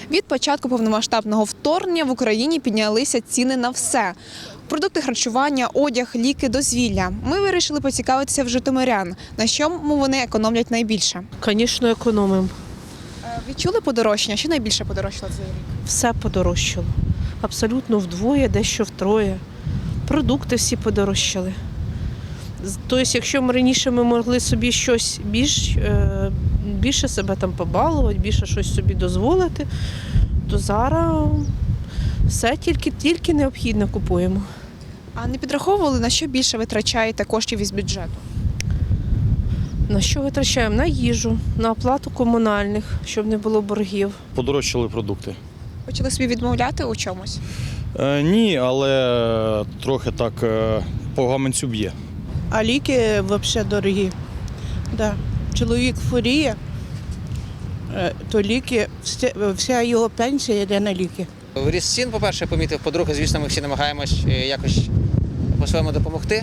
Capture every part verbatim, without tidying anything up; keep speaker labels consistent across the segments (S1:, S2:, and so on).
S1: Від початку повномасштабного вторгнення в Україні піднялися ціни на все. Продукти харчування, одяг, ліки, дозвілля. Ми вирішили поцікавитися в житомирян, на чому вони економлять найбільше.
S2: Звісно, економимо.
S1: Е, Відчули подорожчання? Що найбільше подорожчало цей рік?
S2: Все подорожчало. Абсолютно вдвоє, дещо втроє. Продукти всі подорожчали. З- Тобто, якщо ми раніше ми могли собі щось більш, е, більше себе там побалувати, більше щось собі дозволити, то зараз все тільки, тільки необхідне купуємо.
S1: А не підраховували, на що більше витрачаєте коштів із бюджету?
S2: На що витрачаємо? На їжу, на оплату комунальних, щоб не було боргів.
S3: Подорожчали продукти.
S1: Почали собі відмовляти у чомусь?
S3: Е, ні, але трохи так е, по гаманцю б'є.
S4: А ліки взагалі дорогі. Да. Чоловік хворіє, е, то ліки, вся, вся його пенсія йде на ліки.
S5: Ріст цін, по-перше, я помітив. По-друге, звісно, ми всі намагаємось е, якось по-своєму допомогти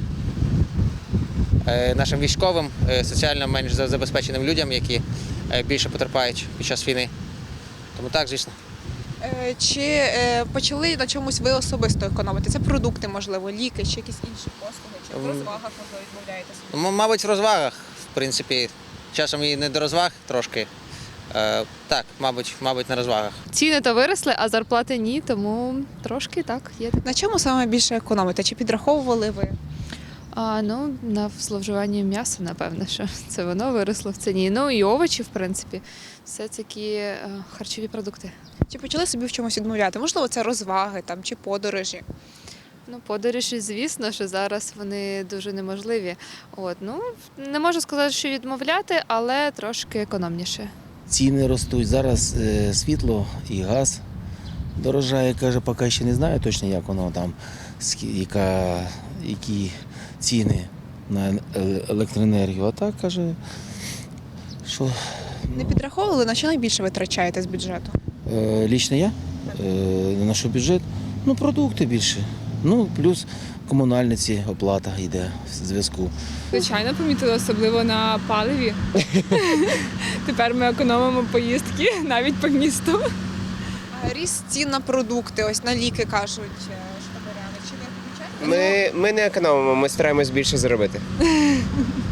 S5: е, нашим військовим, е, соціально менш за- забезпеченим людям, які е, більше потерпають під час війни. Тому так, звісно.
S1: Е, Чи е, почали на чомусь ви особисто економити? Це продукти, можливо, ліки, чи якісь інші послуги, чи в
S5: М.
S1: розвагах, можливо, відмовляєтеся?
S5: М- Мабуть, в розвагах, в принципі, часом і не до розваг трошки. Е, Так, мабуть, мабуть, на розвагах.
S6: Ціни то виросли, а зарплати ні, тому трошки так є.
S1: На чому саме більше економите? Чи підраховували ви?
S6: А, ну, на зловживанні м'яса, напевно, що це воно виросло в ціні. Ну і овочі, в принципі, все такі е, харчові продукти.
S1: Чи почали собі в чомусь відмовляти? Можливо, це розваги там, чи подорожі?
S6: Ну, подорожі, звісно, що зараз вони дуже неможливі. От, ну, не можу сказати, що відмовляти, але трошки економніше.
S7: Ціни ростуть. Зараз е, світло і газ дорожає. Каже, поки ще не знаю точно, як воно там, скі- яка, які ціни на е- електроенергію. А так каже, що
S1: Не підраховували, на що найбільше витрачаєте з бюджету?
S7: е, лічно я е, на наш бюджет, ну продукти більше. Ну, плюс комунальниці оплата йде в зв'язку.
S8: Звичайно, помітила, особливо на паливі. Тепер ми економимо поїздки навіть по місту.
S1: А ріст цін на продукти, ось на ліки кажуть е, житомиряни. Чи не помічаєте?
S9: Ми, ми не економимо, ми стараємось більше заробити.